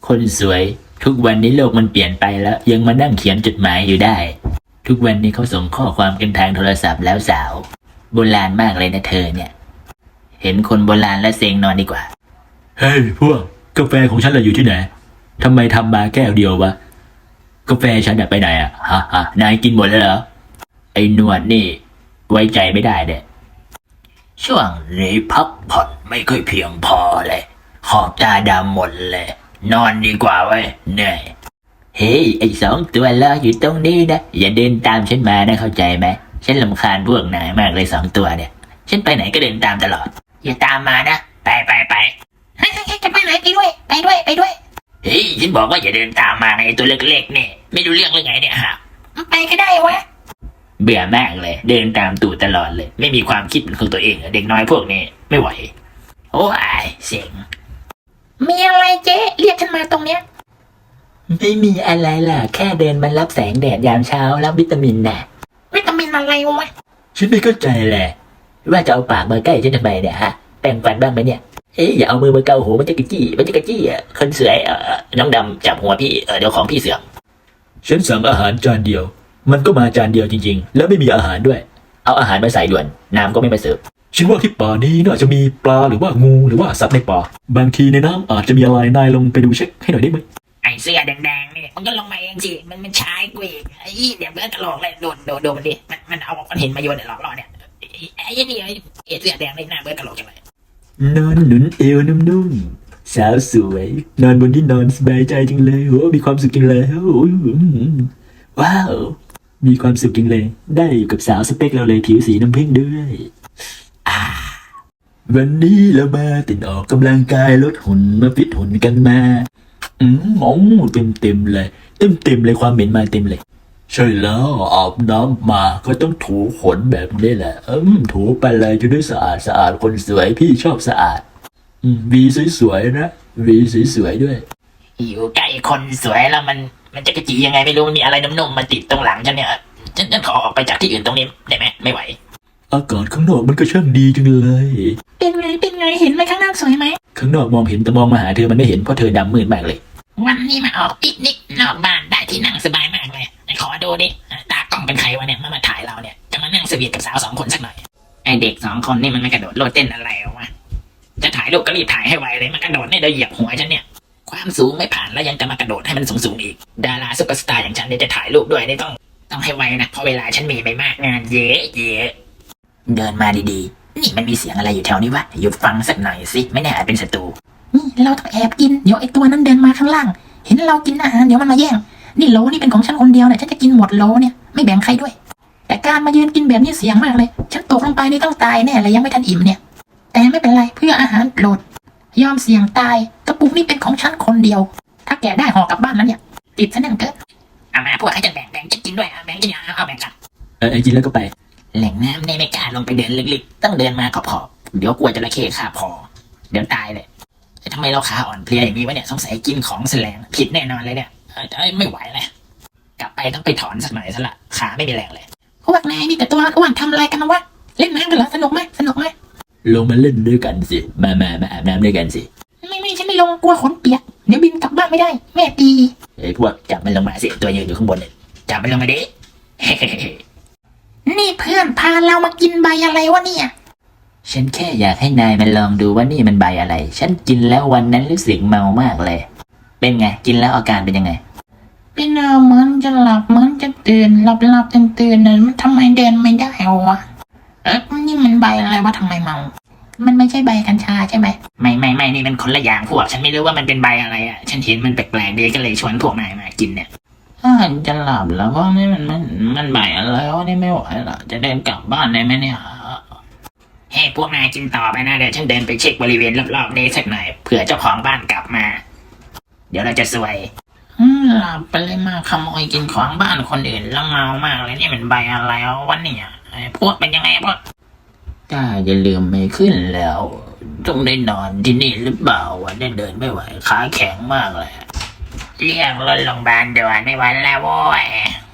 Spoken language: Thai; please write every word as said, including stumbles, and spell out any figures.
คนสวยทุกวันนี้โลกมันเปลี่ยนไปแล้วยังมานั่งเขียนจดหมายอยู่ได้ทุกวันนี้เขาส่งข้อความกันทางโทรศัพท์แล้วสาวโบราณมากเลยนะเธอเนี่ยเห็นคนโบราณแล้วเซ็งนอนดีกว่าเฮ้ยพวกกาแฟของฉันเราอยู่ที่ไหนทำไมทำมาแก้วเดียววะกาแฟฉันไปไหนอ่ะฮะฮะนายกินหมดแล้วเหรอไอ้หนวดนี่ไว้ใจไม่ได้เด้ช่วงนี้พักผ่อนไม่ค่อยเพียงพอเลยขอบตาดำหมดเลยนอนดีกว่าเว้ยเหนื่อยเฮ้ยไอ้สองตัวรออยู่ตรงนี้นะอย่าเดินตามฉันมานะเข้าใจไหมฉันรำคาญพวกนายมากเลยสองตัวเนี่ยฉันไปไหนก็เดินตามตลอดอย่าตามมานะไปไปไปเฮ้ยจะไปไหนไปด้วยไปด้วยไปด้วยเฮ้ยฉันบอกว่าอย่าเดินตามมาไงตัวเล็กๆเนี่ยไม่รู้เรื่องเลยไงเนี่ยฮะไปก็ได้วะเบื่อมากเลยเดินตามตู่ตลอดเลยไม่มีความคิดเป็นของตัวเองเด็กน้อยพวกนี้ไม่ไหวโอ้ยเสียงมีอะไรเจ๊เรียกฉันมาตรงเนี้ยไม่มีอะไรล่ะแค่เดินมารับแสงแดดยามเช้ารับวิตามินน่ะวิตามินอะไรวะฉันไม่เข้าใจแหละว่าจะเอาปากมาใกล้ฉันทำไมเนี่ยฮะแปรงฟันบ้างไหมเนี่ยเอ๊ะอย่าเอามือมาเกาหูมันจะกระจี้มันจะกระจี้อ่ะคนสวยเออน้องดำจับหัวพี่เออเดี๋ยวของพี่เสื่อมฉันสั่งอาหารจานเดียวมันก็มาจานเดียวจริงๆแล้วไม่มีอาหารด้วยเอาอาหารมาใส่ด่วนน้ำก็ไม่มาเสิร์ฟฉันว่าที่ป่านี้น่าจะมีปลาหรือว่างูหรือว่าสัตว์ในป่าบางทีในน้ำอาจจะมีอะไรนายลงไปดูเช็คให้หน่อยได้ไหมไอ้เสื้อแดงๆนี่มันก็ลงมาเองสิมันมันชายกูอีกไอ้เดี๋ยวเบิร์ดกระโหลกเลยโดนโดนโดนมันดิมันมันเอามันเห็นมาโยนเนี่ยหลอกล่อเนี่ยไอ้นี่ไอ้เสื้อแดงนี่หน้าเบิร์ดกระโหลกจังเลยนอนหนุนเอวนุ่มๆสาวสวยนอนบนที่นอนสบายใจจังเลยโอ้มีความสุขจังเลยว้าวมีความสุขจริงเลยได้อยู่กับสาวสเปคเราเลยผิวสีน้ำผึ้งด้วยอ่าวันนี้เรามาติดออกกำลังกายลดหุ่นมาฟิตหุ่นกันมาอืมมองเต็มเต็มเลยเต็มเต็มเลยความเหม็นมาเต็มเลยใช่แล้วอาบน้ำมาก็ต้องถูขนแบบนี้แหละอืมถูไปเลยจะได้สะอาดสะอาดคนสวยพี่ชอบสะอาดอืมวีสวยๆนะวีสวยๆด้วยอยู่ใกล้คนสวยแล้วมันมันจะกระจียังไงไม่รู้มีอะไรนุ่มๆมาติดตรงหลังฉันเนี่ยฉันฉันขอออกไปจากที่อื่นตรงนี้ได้ไหมไม่ไหวอากาศข้างนอกมันก็ช่างดีจังเลยเป็นไงเป็นไงเห็นไหมข้างนอกสวยไหมข้างนอกมองเห็นแต่มองมาหาเธอมันไม่เห็นเพราะเธอดำมืดมากเลยวันนี้มาออกปิกนิกนอกบ้านได้ที่นั่งสบายมากเลยขอดูดิตากล้องเป็นใครวะเนี่ยมามาถ่ายเราเนี่ยจะมานั่งสวีทกับสาวสองคนสักหน่อยไอเด็กสองคนนี่มันไม่กระโดดโลดเต้นอะไรวะจะถ่ายรูปก็รีบถ่ายให้ไวเลยมันกระโดดเนี่ยเดี๋ยวเหยียบหัวฉันเนี่ยความสูงไม่ผ่านแล้วยังจะมากระโดดให้มันสูงๆอีกดาราซุปเปอร์สตาร์อย่างฉันเนี่ยจะถ่ายรูปด้วยนี่ต้องต้องให้ไวนะเพราะเวลาฉันมีไปมากงานเยอะเยอะเดินมาดีๆนี่มันมีเสียงอะไรอยู่แถวนี้วะหยุดฟังสักหน่อยสิไม่แน่อาจเป็นศัตรูนี่เราต้องแอบกินเดี๋ยวไอ้ตัวนั้นเดินมาข้างล่างเห็นเรากินอาหารเดี๋ยวมันมาแย่งนี่โลนี่เป็นของฉันคนเดียวเนี่ยฉันจะกินหมดโลเนี่ยไม่แบ่งใครด้วยแต่การมายืนกินแบบนี้เสี่ยงมากเลยฉันตกลงไปนี่ต้องตายแน่เลยยังไม่ทันอิ่มเนี่ยแต่ไม่เป็นไรเพื่ออาหารโปรดยอมเสี่ยงตายกระปุกนี่เป็นของฉันคนเดียวถ้าแกได้ห่อกลับบ้านแล้วเนี่ยติดซะแน่นเกินเอามาพวกให้ฉันแบ่งแบ่งจะกินด้วยแบ่งจะเอาเอาแบ่งกันเออกินแล้วก็ไปแหล่งน้ำในไม่กล้าลงไปเดินลึกๆต้องเดินมาขอบๆเดี๋ยวกลัวจระเข้คาบคอเดี๋ยวตายเลยทำไมเราขาอ่อนเพลียอย่างนี้วะเนี่ยสงสัยกินของแสลงผิดแน่นอนเลยเนี่ยเอ้ยไม่ไหวเลยกลับไปต้องไปถอนสักหน่อยซะละขาไม่มีแรงเลยพวกนายนี่แต่ตัวอ้วนทำอะไรกันวะเล่นน้ำกันเหรอสนุกไหมสนุกไหมลงมาเล่นด้วยกันสิมามามาอาบน้ำด้วยกันสิไม่ไม่ฉันไม่ลงกลัวขนเปียกเดี๋ยวบินกลับบ้านไม่ได้แม่ตีไอ้พวกจับมันลงมาสิตัวยืนอยู่ข้างบนเลยจับมันลงมาดินี่เพื่อนพาเรามากินใบอะไรวะเนี่ยฉันแค่อยากให้นายมันลองดูว่านี่มันใบอะไรฉันกินแล้ววันนั้นรู้สึกเมามากเลยเป็นไงกินแล้วอาการเป็นยังไงเป็นเหมือนจะหลับเหมือนจะตื่นหลับหลับตื่นตื่นนะมันทำไมเดินไม่ได้วะเอ๊ะนี่มันใบอะไรวะทำไมเมามันไม่ใช่ใบกัญชาใช่ไหมไม่ไม่ไม่นี่มันคนละอย่างพวกฉันไม่รู้ว่ามันเป็นใบอะไรอ่ะฉันเห็นมันแปลกๆดีก็เลยชวนพวกนายมากินเนี่ยอ่าจะหลับแล้วก็นี่มันมันมันใบอะไรวะนี่ไม่ไหวหรอจะเดินกลับบ้านได้ไหมเนี่ยเฮ้พวกนายกินต่อไปนะเดี๋ยวฉันเดินไปเช็คบริเวณรอบๆนี้สักหน่อยเผื่อเจ้าของบ้านกลับมาเดี๋ยวเราจะซวยหลับไปเลยมาขโมยกินของบ้านคนอื่นแล้วเมามากเลยนี่มันใบอะไรวะเนี่ยพวกเป็นยังไงพวกถ้าอย่าลืมไม่ขึ้นแล้วต้องได้นอนที่นี่หรือเปล่าวะได้เดินไม่ไหวขาแข็งมากเลยเรียกรถโรงพยาบาลด่วนไม่ไหวแล้วโว้ย